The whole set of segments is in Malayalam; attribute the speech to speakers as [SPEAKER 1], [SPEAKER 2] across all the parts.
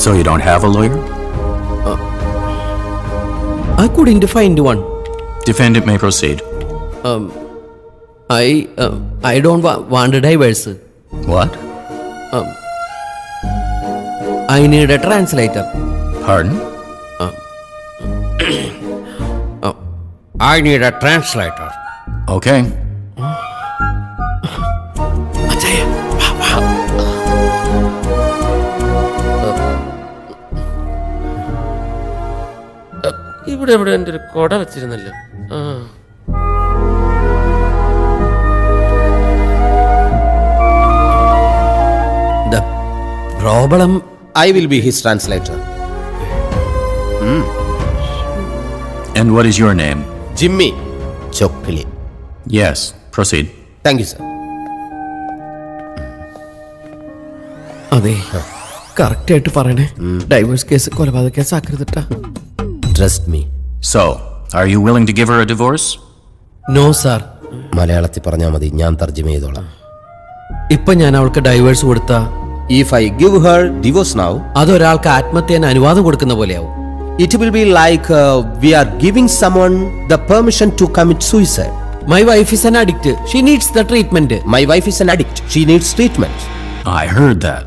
[SPEAKER 1] So you don't have a lawyer?
[SPEAKER 2] I couldn't find one.
[SPEAKER 1] Defendant may proceed.
[SPEAKER 2] I don't want a divorce.
[SPEAKER 1] What?
[SPEAKER 2] I need a translator.
[SPEAKER 1] Pardon?
[SPEAKER 2] I need a translator.
[SPEAKER 1] Okay.
[SPEAKER 3] ഇവിടെ എവിടെ എൻ്റെ ഒരു കൊട വെച്ചിരുന്നല്ലോ.
[SPEAKER 2] The problem.
[SPEAKER 4] I will be his translator.
[SPEAKER 1] And what is your name?
[SPEAKER 4] Jimmy Chokkili.
[SPEAKER 1] Yes, proceed.
[SPEAKER 4] Thank you, sir.
[SPEAKER 2] അതെ, കറക്റ്റ് ആയിട്ട് പറയണേ. ഡൈവേഴ്സ് കേസ് കൊലപാതക കേസ് ആക്കരുതിട്ടാ.
[SPEAKER 4] Trust me.
[SPEAKER 1] So, are you willing to give her a divorce?
[SPEAKER 2] No sir.
[SPEAKER 4] മലയാളത്തിൽ പറഞ്ഞാൽ മതി, ഞാൻ തർജ്ജമ ചെയ്തോളാം.
[SPEAKER 2] ഇപ്പൊ ഞാൻ അവൾക്ക് ഡൈവേഴ്സ് കൊടുത്ത
[SPEAKER 4] If I give her divorce now,
[SPEAKER 2] അതൊരാൾക്ക് ആത്മഹത്യന് അനുവാദം കൊടുക്കുന്ന പോലെയാവും.
[SPEAKER 4] it will be like we are giving someone the permission to commit suicide.
[SPEAKER 2] My wife is an addict. She needs the treatment.
[SPEAKER 4] My wife is an addict. She needs treatment.
[SPEAKER 1] I heard that.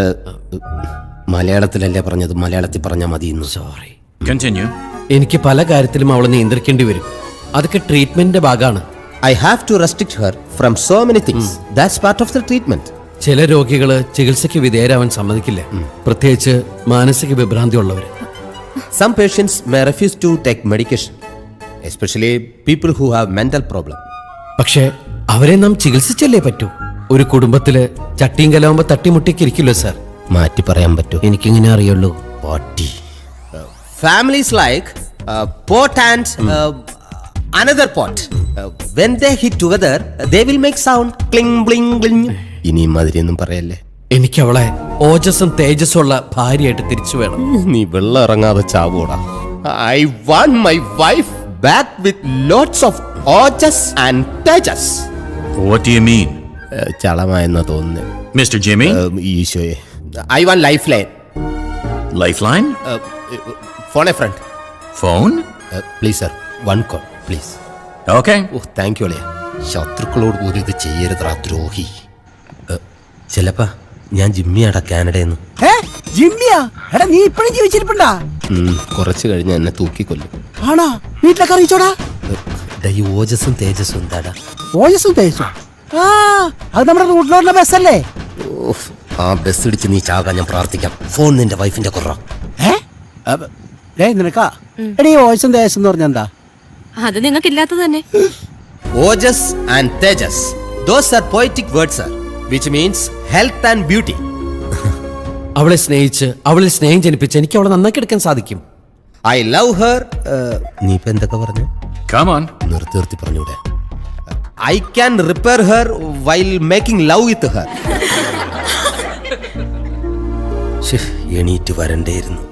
[SPEAKER 4] മലയാളത്തിലല്ലേ പറഞ്ഞത്, മലയാളത്തിൽ പറഞ്ഞാൽ മതി.
[SPEAKER 2] സോറി.
[SPEAKER 1] Continue.
[SPEAKER 2] എനിക്ക് പല കാര്യത്തിലും അവളെ നിയന്ത്രിക്കേണ്ടി വരും. അതൊക്കെ ട്രീറ്റ്മെന്റിന്റെ ഭാഗമാണ്.
[SPEAKER 4] I have to restrict her from so many things. That's part of the treatment.
[SPEAKER 2] ചില രോഗികള് ചികിത്സയ്ക്ക് വിധേയരാവാൻ സമ്മതിക്കില്ല, പ്രത്യേകിച്ച് മാനസിക വിഭ്രാന്തി ഉള്ളവര്.
[SPEAKER 4] Some patients may refuse to take medication, especially people who have mental problem.
[SPEAKER 2] പക്ഷേ അവരെ നാം ചികിത്സിച്ചല്ലേ പറ്റൂ. ഒരു കുടുംബത്തില് ചട്ടിയും കലാവുമ്പോ തട്ടിമുട്ടിക്കിരിക്കില്ലോ സാർ.
[SPEAKER 4] മാറ്റി പറയാൻ പറ്റൂ.
[SPEAKER 2] എനിക്കിങ്ങനെ അറിയുള്ളൂ.
[SPEAKER 4] പാട്ടി. Families like pot and another pot. When they hit together, they will make sound cling bling bling. ഇനി മതിരിയൊന്നും പറയല്ലേ.
[SPEAKER 2] എനിക്ക് അവളെ ഓജസ്സും തേജസ്സും ഉള്ള ഭാര്യയായിട്ട് തിരിച്ചു വേണം.
[SPEAKER 4] നീ വെള്ളം ഇറങ്ങാതെ ചാവൂടാ. I want my wife back with lots of ojas and tejas.
[SPEAKER 1] What do you mean?
[SPEAKER 4] ചളമായെന്നാ തോന്നുന്നത്.
[SPEAKER 1] Mr. Jimmy?
[SPEAKER 4] ഈശോയെ. I want lifeline.
[SPEAKER 1] Lifeline?
[SPEAKER 4] Phone a friend.
[SPEAKER 1] Phone?
[SPEAKER 4] Please sir, one call please.
[SPEAKER 1] Okay.
[SPEAKER 4] Oh thank you അളിയ. ശത്രുക്കളോട് പോലും ഇത് ചെയ്യരുതാ ദ്രോഹി. ചിലപ്പാ ഞാൻ ജിമ്മിയാടാ, കാനഡയെന്ന്.
[SPEAKER 5] ജിമ്മിയാ? എടാ നീ ഇപ്പഴും ജീവിച്ചിരിപ്പണ്ടാ?
[SPEAKER 4] കുറച്ച് കഴിഞ്ഞ് എന്നെ തൂക്കിക്കൊല്ലും.
[SPEAKER 5] ആണാ? വീട്ടിലൊക്കെ അറിയിച്ചോടാ?
[SPEAKER 4] ഈ ഓജസ്സും തേജസ്സും എന്താടാ?
[SPEAKER 5] ഓജസ്സും തേജസ്സും? ആ, അത് നമ്മുടെ റൂട്ടിലോട്ടുള്ള ബസ്സല്ലേ?
[SPEAKER 4] ആ ബസ് ഇടിച്ച് നീ ചാകാൻ ഞാൻ പ്രാർത്ഥിക്കാം. ഫോൺ നിന്റെ വൈഫിന്റെ കുറ.
[SPEAKER 5] നിനക്കാ? എടീ ഓജസ്സും തേജസ്സും എന്ന് പറഞ്ഞ എന്താ?
[SPEAKER 6] അത് നിങ്ങൾക്കില്ലാത്തത് തന്നെ.
[SPEAKER 4] ഓജസ് ആൻഡ് തേജസ്, those are poetic words sir, which means health and beauty.
[SPEAKER 2] അവളെ സ്നേഹിച്ച് അവളിൽ സ്നേഹം ജനിപ്പിച്ച് എനിക്ക് അവളെ നന്നാക്കി എടുക്കാൻ സാധിക്കും.
[SPEAKER 4] I love her. നീ ഇപ്പൊ എന്തൊക്കെ പറഞ്ഞു?
[SPEAKER 1] Come on.
[SPEAKER 4] നിർത്തി പറഞ്ഞൂടെ. I can repair her while making love with her. എണീറ്റ് വരണ്ടേയിരുന്നു.